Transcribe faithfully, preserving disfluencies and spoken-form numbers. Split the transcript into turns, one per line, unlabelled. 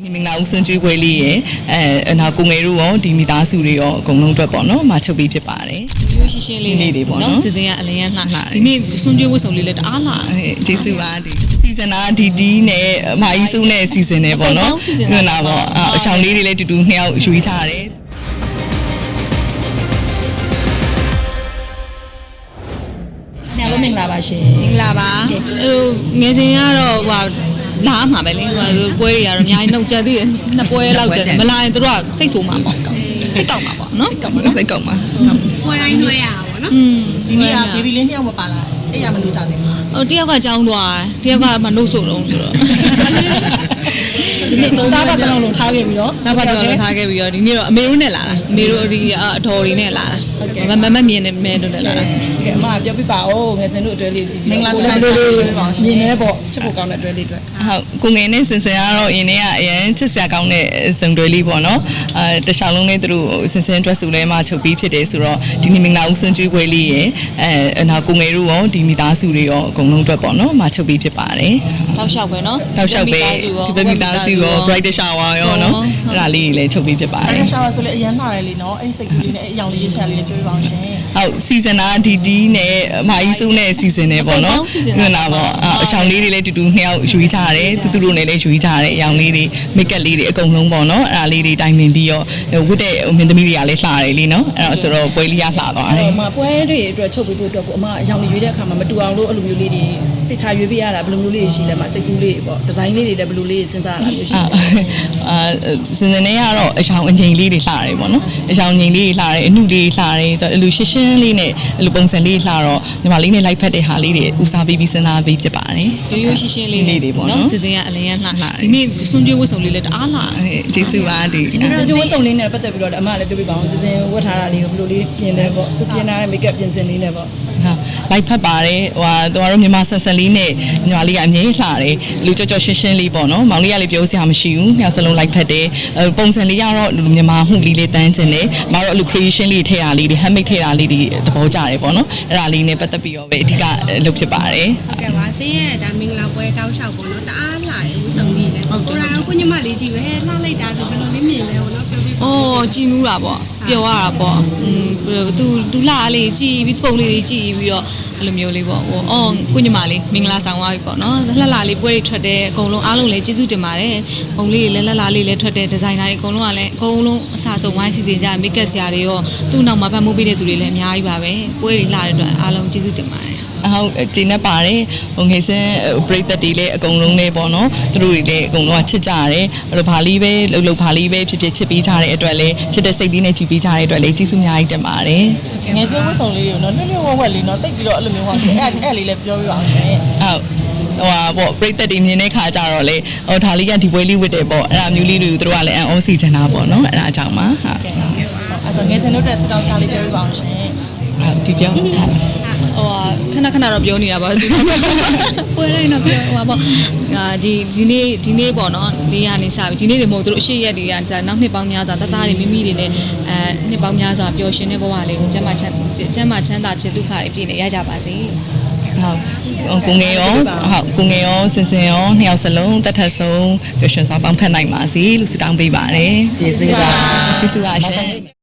ဒီမင်္ဂလာဦးဆွန်ကျွေးပွဲလေးရယ်အဲနောက်ကိုငယ်တို့ရောဒီမိသားစုတွေရောအကုန်လုံးအတွက်ပေါ့နော်မချုပ်ပြီးဖြစ်ပါတယ်
ရိုးရှင်းရှင်းလေးလေးပေါ့နော်စစ်တင်ကအလင်းရလှဒီနေ့ဆွန်ကျွေးဝတ်စုံလေးလည်းတအားလာ
ကျေးဇူးပါဒီစီဇန်နာဒီဒီနဲ့အမကြီးစုနဲ့စီဇန်နဲ့ပေါ့နော်ဟုတ်လားပေါ့အဆောင်လေးတွေလည်းတူတူနှစ်ယောက်ယူထားတယ်
ညလုံးမင်္ဂလာပါရှင်
မင်္ဂလာပါဟိုငယ်စဉ်ကတော့ဟိုလာမှာပဲလေဟိုပွဲတွေကတော့အများကြီးနှုတ်ကြသေးတယ်နှစ်ပွဲလောက်ကြတယ်မလာရင်တို့ကစိတ်ဆိုးမှာပေါ့စိတ်ကောက်မှာပေါ့နော်
ကောက်မှာစိတ်ကောက်မှာ
ပွဲတိုင်းနှွှဲရတာပေါ့နော်
ဒီနေ့ကဘေဘီလေးနှစ်ယောက်မပါလာအဲ့ရမလို့ကြသေးဘူး
ဟိုတယောက်ကကြောင်းသွားတယ်တယောက်ကမှနှုတ်ဆိုတော့ဆိုတော့
ဒီနေ့သုံးသားပတ်တလုံးလုံးထားခဲ့ပြီးတော့
နောက်ပတ်တလုံးလုံးထားခဲ့ပြီးတော့ဒီနေ့တော့အမေတို့နဲ့လာတာအမေတို့ဒီအတော်တွေနဲ့လာတာမမမြင်နေမဲတို့နဲ့လာတာ
ကဲအမပြောပြပါဦးငယ်စဉ်တို့အတွဲလေးကြည့်ပြီးမင်္ဂလာဆောင်လေးမြင်နေပေါ့ချစ်ဖို့ကောင်းတဲ့အတွဲလေးတွေ
ဟုတ်ကိုငယ်နဲ့စင်စင်ကတော့အရင်တည်းကအရင်ချစ်စရာကောင်းတဲ့စုံတွဲလေးပေါ့နော်အဲတခြားလုံးလေးသူတို့စင်စင်အတွက်ဆိုလဲမှချုပ်ပြီးဖြစ်တယ်ဆိုတော့ဒီနေ့မင်္ဂလာဦးဆွန်ကျွေးပွဲလေးရယ်အဲနောက်ကိုငယ်တို့ရောဒီမိသားစုတွေရောအကုန်လုံးအတွက်ပေါ့နော်မချုပ်ပြီးဖြစ်ပါတယ်
တောက်လျှောက်ပဲနော်
တောက်လျှောက်ပဲဒီဘက်မိသားစုရော bright shower ရောနော်အဲ့ဒါလေးလည်းချုပ်ပြီးဖြစ်ပါတယ်
bright shower ဆိုလဲအရင်လှတယ်လीနော်အဲ့ဒီစိတ်ကူးလေးနဲ့အရောင်လေးရေးချလေးလည်းပြောပြပါအောင်ရှင်
ဟုတ်စီဇန်နာဒီဒီနဲ့အမကြီးစုနဲ့စီဇန်နဲ့ပေါ့နော်ဟုတ်လားပေါ့အဆောင်လေးတွေလည်းတူတူနှစ်ယောက်ယူထားတယ်တူတူတို့နဲ့လည်းယူထားတယ်အရောင်လေးတွေမိတ်ကပ်လေးတွေအကုန်လုံးပေါ့နော်အဲ့ဒါလေးတွေတိုင်ပင်ပြီးတော့ဝတ်တဲ့မင်းသမီးတွေကလည်းလှတယ်လीနော်အဲ့တော့ဆိုတော့ပွဲလေးရလှသွားတယ်
အမပွဲတွေအတွက်ချုပ်ပြီးဖို့အတွက်ကိုအမအရောင်လေးရွေးတဲ့အခါမှာမတူအောင်လို့အဲ့လိုမျိုးလေးတွေတခြားရွေးပြရတာဘယ်လိုမျိုးလေးရှိလဲမစိတ်ကူးလေးပေါ့ဒီဇိုင်းလေးတွေလည်းဘယ်လိုလေးစဉ်းစားရတာမျိုးရှိလဲ
အာစင်စင်နဲ့ကတော့အရောင်အငိမ်လေးတွေလှတယ်ပေါ့နော်အရောင်ငိမ်လေးတွေလှတယ်အနုလေးလှတယ်အဲ့လိုရှင်းရှင်းလေးနဲ့အဲ့လိုပုံစံလေးလှတော့ညီမလေးနဲ့လိုက်ဖက်တဲ့ဟာလေးတွေဦးစားပေးပြီးစဉ်းစားပေးဖြစ်ပါတယ်
ရိုးရိုးရှင်းရှင်းလေးလေးပေါ့နော်စစ်တင်ကအလင်းရလှဒီနေ့ဆွန်ကျွေးဝတ်စုံလေးလည်းတအားလာ
ကျေးဇူးပါဒီ
ဒီနေ့ဆွန်ကျွေးဝတ်စုံလေးနဲ့ပတ်သက်ပြီးတော့အမလည်းပြောပြပါအောင်စစ်တင်ဝတ်ထားတာလေးကိုဘယ်လိုလေးပြင်လဲပေါ့သူပြင်ထားတဲ့မိတ်ကပ်ပြင်စင်လေးနဲ့ပေါ့
ဟုတ်လိုက်ဖက်ပါတယ်ဟိုသူတို့မြန်မာဆန်ဆန်လေးနဲ့ညီမလေးကအမြဲလှတယ်လူကြော့ကြော့ရှင်းရှင်းလေးပေါ့နော်မောင်လေးကလည်းပြောစရာမရှိဘူးညစလုံးလိုက်ဖက်တယ်ပုံစံလေးကတော့လူမြန်မာမှုလေးလေးတန်းကျင်တယ်မတော်အဲ့လို creation လေးထည့်တာလေးတွေ handmade ထည့်တာလေးတွေသဘောကျတယ်ပေါ့နော်အဲ့ဒါလေးနဲ့ပတ်သက်ပြီးတော့ပဲအဓိကလုပ်ဖြစ်ပါတယ်
ဟုတ်ကဲ့ပါစင်းရဲ့ဒါမင်္ဂလာပွဲတောက်လျှောက်ပေါ့နော်တအားလာတယ်ဦးစုံလေးနဲ့ဟုတ်တယ်ကိုညီမလေးကြည့်ပဲလှလိုက်တာဆိုဘယ်လိုလေးမြင်လဲပေါ့နော်ပြောပြပါ
အော်ကြည်နူးတာပေါ့ပျော်ရတာပေါ့อืมသူသူလှလေးကြည်ပြီးပုံလေးတွေကြည်ပြီးတော့အဲ့လိုမျိုးလေးပေါ့ဟိုအော်ကိုညီမလေးမင်္ဂလာဆောင်သွားပြီပေါ့နော်လှလှလေးပွဲတွေထွက်တယ်အကုန်လုံးအားလုံးလည်းကျေးဇူးတင်ပါတယ်ပုံလေးတွေလည်းလှလှလေးလည်းထွက်တယ်ဒီဇိုင်နာတွေအကုန်လုံးကလည်းအကုန်လုံးအစားဆုံးဝိုင်းစီစဉ်ကြမိတ်ကပ်ဆရာတွေရောသူ့နောက်မှာပတ်မိုးပေးတဲ့သူတွေလည်းအများကြီးပါပဲပွဲတွေလှတဲ့အတွက်အားလုံးကျေးဇူးတင်ပါတယ်
ဟုတ်ကျင်းနေပါတယ်ဟိုငယ်စင်းပရိသတ်တွေလည်းအကုန်လုံးလေးပေါ့နော်သူတို့တွေလည်းအကုန်လုံးကချစ်ကြရတယ်အဲ့လိုဘာလေးပဲလှုပ်လှုပ်ဘာလေးပဲဖြစ်ဖြစ်ချစ်ပေးကြတဲ့အတွက်လည်းချစ်တဲ့စိတ်လေးနဲ့ကြည်ပေးကြတဲ့အတွက်လည်းကျေးဇူးအများကြီးတင်ပါတယ်
ငယ်စင်းဝတ်ဆောင်လေးတွေကိုနော်လှလှဝက်ဝက်လေးနော်တိတ်ပြီးတော့အဲ့လိုမျိုးဟောအဲ့အဲ့လေးလည်းပြောပြပါအောင်ရှင်
ဟုတ်ဟိုဟာပေါ့ပရိသတ်တွေမြင်တဲ့ခါကျတော့လေဟိုဒါလေးကဒီပွဲလေးဝတ်တယ်ပေါ့အဲ့ဒါမျိုးလေးတွေကိုသူတို့ကလည်းအံ့ဩစီချင်တာပေါ့နော်အဲ့ဒါအကြောင်းပါဟုတ်
အဲ့ဆိုငယ်စင်းတို့တက်စတောက်ကားလေးပြောပြပါအောင်ရှင်
ဟုတ်ဒီပြော
ဟိုခဏခဏတော့ပြောနေတာပါဆိုတော့ပွဲတိုင်းတော့ပြောဟိုပါအာဒီဒီနေ့ဒီနေ့ပေါ့နော်နေရနေစပြီဒီနေ့တွေမဟုတ်သူတို့အရှိရက်တွေကကြာနောက်နှစ်ပေါင်းများစွာတသားတွေမိမိတွေနဲ့အဲနှစ်ပေါင်းများစွာပျော်ရွှင်တဲ့ဘဝလေးကိုကျမ်းမာချမ်းကျမ်းမာချမ်းသာခြင်းဒုက္ခတွေပြည့်နေရကြပါစေ
ဟုတ်ကိုငယ်ရောဟုတ်ကိုငယ်ရောစင်စင်ရောနှစ်ယောက်စလုံးတတ်ထက်ဆုံးပျော်ရွှင်စွာပေါင်းဖက်နိုင်ပါစေလို့ဆုတောင်းပေးပါတယ်
ကျေးဇူးပါ
ကျေးဇူးပါရှင်